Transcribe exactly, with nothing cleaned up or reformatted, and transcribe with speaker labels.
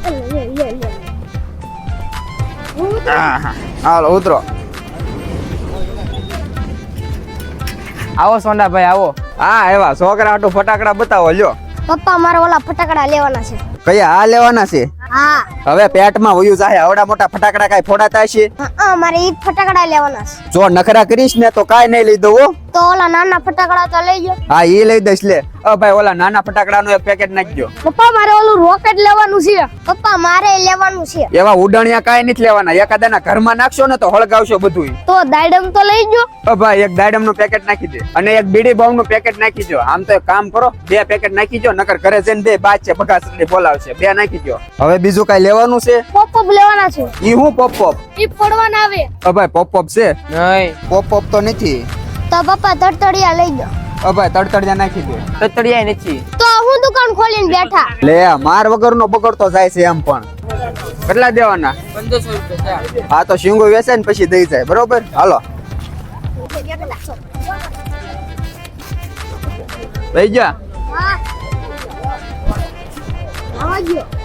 Speaker 1: લે લે લે
Speaker 2: હા હાલો ઉતરો.
Speaker 3: આવો સોંડાભાઈ આવો.
Speaker 2: હા એવા છોકરા હાટુ ફટાકડા બતાવો લ્યો.
Speaker 1: પપ્પા મારે ઓલા ફટાકડા લેવાના છે.
Speaker 2: કયા આ લેવાના છે?
Speaker 1: હા
Speaker 2: હવે પેટમાં વયું જાય આવડા મોટા ફટાકડા કાઈ ફોડાતા છે?
Speaker 1: હા મારે ઈ ફટાકડા લેવાના છે.
Speaker 2: જો નખરા કરીશ ને તો કાઈ નહીં લઈ દઉં હો.
Speaker 1: તો ઓલા નાના ફટાકડા તો લઈ ગયો.
Speaker 2: હા ઈ લઈ દઈશ લે. અ ભાઈ ઓલા નાના ફટાકડાનું એક પેકેટ નાખજો.
Speaker 1: પપ્પા મારે ઓલું રોકેટ લેવાનું છે. પપ્પા મારે લેવાનું છે.
Speaker 2: એવા ઉડાણિયા કાઈ નથી લેવાના. એકાદાના ઘરમાં નાખશો ને તો હળગાવશો બધું.
Speaker 1: તો દાડમ તો લઈ ગયો.
Speaker 2: અ ભાઈ એક દાડમનું પેકેટ નાખી દે અને એક બીડી બોમ્બનું પેકેટ નાખી દો. આમ તો એક કામ કરો બે પેકેટ નાખી દો નકર ઘરે જઈને બે બાદ છે બગાસડી બોલાવશે. બે નાખી દો. હવે બીજું કાઈ લેવાનું છે?
Speaker 1: પોપ પોપ લેવાના છે.
Speaker 2: ઈ હું પોપ પોપ?
Speaker 1: ઈ પડવાના આવે.
Speaker 2: અ ભાઈ પોપ પોપ છે?
Speaker 3: નહીં
Speaker 2: પોપ પોપ તો નથી.
Speaker 1: તો પપ્પા તડતડિયા લઈ ગયો.
Speaker 2: અ ભાઈ તડતડિયા નાખી દે.
Speaker 3: તતડિયા નથી.
Speaker 1: તો હું દુકાન ખોલીને બેઠા.
Speaker 2: લે માર વગરનો બગડતો જાય છે એમ પણ. કેટલા દેવાના?
Speaker 3: પંદરસો રૂપિયા.
Speaker 2: હા તો શીંગો વેચાય ને પછી દઈ જાય બરોબર. હાલો લઈ જા.
Speaker 1: હા આવા ગયો.